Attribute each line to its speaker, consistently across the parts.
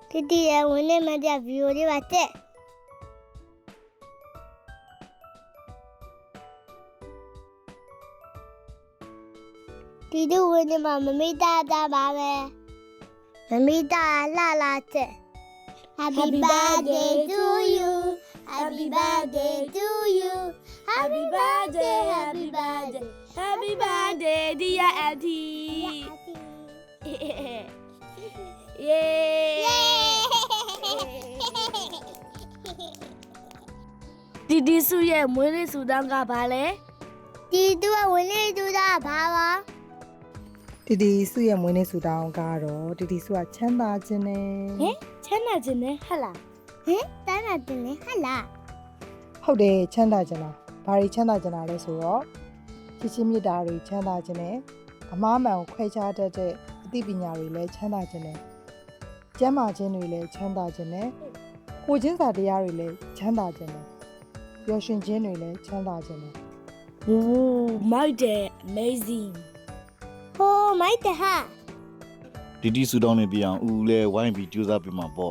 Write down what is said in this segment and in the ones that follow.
Speaker 1: တီတီရဲ့ဝင်နေမှတဲ့ဗီဒီယိုလေးပါတဲ့တီတူဝင်နေမှာမမိတာတာပါပဲမမိတာလာလာတဲ့ Happy birthday to you Happy birthday to you Happy birthday Happy birthday
Speaker 2: Happy birthday dear auntie Yay ဒီစုရဲ့မွေးနေ့ဆူတောင်းကဘာလဲ
Speaker 1: တီတူကဝင်နေတူတာဘာပါ
Speaker 3: တီတီစုရဲ့မွေးနေ့ဆူတောင်းကတော့တီတီစုကချမ်းသာခြင်းနဲ့
Speaker 2: ဟင်ချမ်းသာခြင်းနဲ့ဟတ်လား
Speaker 1: ဟင်တန်းတာတင်လေဟလာ
Speaker 3: ဟုတ်တယ်ချမ်းသာခြင်းလားဘာတွေချမ်းသာခြင်းလားလဲဆိုတော့ချစ်ချင်းမြတ်တာတွေချမ်းသာခြင်းနဲ့အမားမှန်ကိုခွဲခြားတတ်တဲ့အသိပညာတွေလည်းချမ်းသာခြင်းနဲ့ကျမ်းမာခြင်းတွေလည်းချမ်းသာခြင်းနဲ့ကိုချင်းစာတရားတွေလည်းချမ်းသာခြင်းနဲ့ပျော်ရွှင်ခြင်းတွေလည်းချမ်းသာခြင်းနဲ့
Speaker 2: โอ้မိုက်တယ် amazing
Speaker 1: ဟိုမိုက်တဟာ
Speaker 4: ဒီတီဆူတောင်းနေပြအောင်ဦးလဲဝိုင်းပြီးကြိုးစားပြမှာပေါ့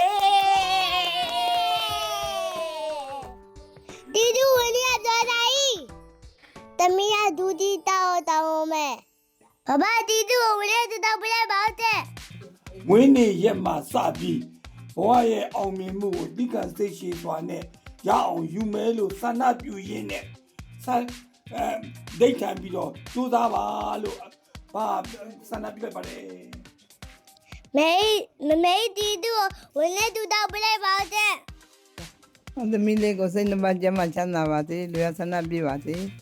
Speaker 1: တီတူဝင်နေတော့တာဤတမီးကဒူတီတောင်းမဲ့ဘာတီတူဝင်နေတော့ပြလဲပါတဲ့
Speaker 5: မွေးနေ့ရက်မှာစပြီးဘဝရဲ့အောင်မြင်မှုကိုတိကံစိတ်ရှိစွာနဲ့ရအောင်ယူမဲလို့ဆန္ဒပြုရင်းနဲ့ဒိတ်ထိုင်ပြီးတော့ကြိုးစားပါလို့ဘာဆန္ဒပြုလိုက်ပါလေ
Speaker 1: မေတီတူဝင်နေတော့ပြလဲပါတဲ့
Speaker 6: သမီးလေးကိုစိတ်နှပါကျမ်းမှချမ်းသာပါစေလူရဆန္ဒပြပါစေ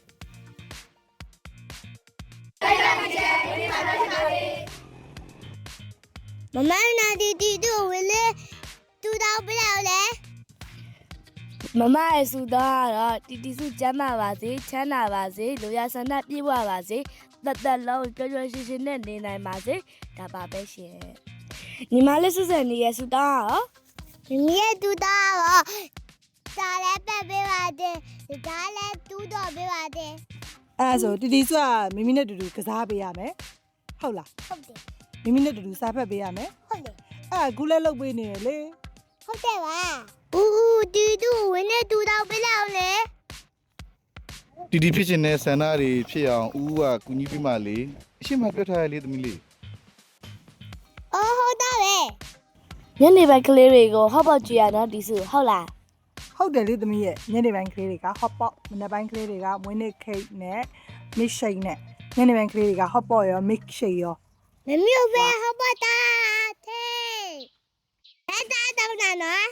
Speaker 1: မမနာတီတူဝင်နေတော့ပြလဲလေ
Speaker 2: မမရဲ့ဆူတောင်းကတော့တီစုကျမ်းမာပါစေချမ်းသာပါစေလူရဆန္ဒပြည့်ဝပါစေသက်လုံးပျော်ပျော်ရွှင်ရွှင်နဲ့နေနိုင်ပါစေဒါပါပဲရှင်ညီမလေးစုစံနေရဲ့ဆူတောင်းရော
Speaker 1: မီးတူတော့စားလဲပက်ပေးပါတယ်ဒါလည်းတူတော့ပေးပါတယ်
Speaker 3: အဲ့ဒါဆိုတီတီစုကမိမိနဲ့တူတူကစားပေးရမယ်ဟုတ်လား
Speaker 1: ဟုတ်တယ်
Speaker 3: မိမိနဲ့တူတူစားဖက်ပေးရမယ်
Speaker 1: ဟုတ်တယ်
Speaker 3: အဲ့ဒါကူလဲလုပ်ပေးနေတယ်လေ
Speaker 1: ဟုတ်တယ်ပါဦးတီတူဝင်နေတူတော့ပေးလောက်လေ
Speaker 4: တီတီဖြစ်ချင်တဲ့ဆန္ဒတွေဖြစ်အောင်ဦးကကူညီပြမှလေအရှိမပြောထားရလေသမီးလေး
Speaker 1: အော်ဟုတ်တာပဲ
Speaker 2: ညနေပိုင်းကလေးတွေကိုဟော့ပေါ့ကြည့်ရတော့ဒီစုဟုတ်လား
Speaker 3: ဟုတ်တယ်လေသမီးရဲ့ညနေပိုင်းကလေးတွေက hot pot မနေ့ပိုင်းကလေးတွေကမွေးနေ့ cake နဲ့ mix shake နဲ့ညနေပိုင်းကလေးတွေက hot pot ရော mix shake ရော
Speaker 1: မမျိုးပဲဟုတ်ပါတာသေးအဲ့ဒါတော့နော်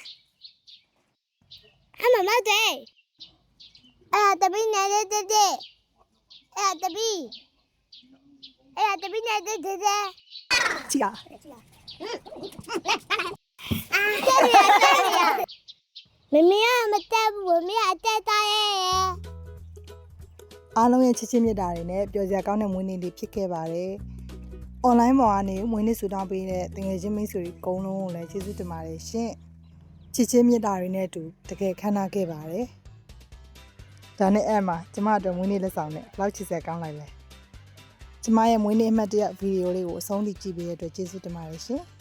Speaker 1: အမမတဲ့အဲ့တပင်းနေတဲ့တဲ့အဲ့တပင်းနေတဲ့တဲ့
Speaker 3: ကြည့်ရ
Speaker 1: မမရမတက်ဘူးမမရအတက်သားရဲ့
Speaker 3: အားလုံးရဲ့ချစ်ချင်းမြတ်တာတွေနဲ့ပျော်စရာကောင်းတဲ့မွေးနေ့လေးဖြစ်ခဲ့ပါတယ်။ online ပေါ်ကနေမွေးနေ့ဆူတောင်းပေးတဲ့တကယ်ချင်းမိတ်ဆွေတွေအကုန်လုံးကိုလည်းကျေးဇူးတင်ပါတယ်ရှင်။ချစ်ချင်းမြတ်တာတွေနဲ့အတူတကယ်ခမ်းနားခဲ့ပါတယ်။ဒါနဲ့အဲ့မှာကျမတို့မွေးနေ့လက်ဆောင်နဲ့ဘယ်လောက်ချစ်စရာကောင်းလိုက်လဲ။ကျမရဲ့မွေးနေ့အမှတ်တရဗီဒီယိုလေးကိုအဆုံးထိကြည့်ပေးတဲ့အတွက်ကျေးဇူးတင်ပါတယ်ရှင်။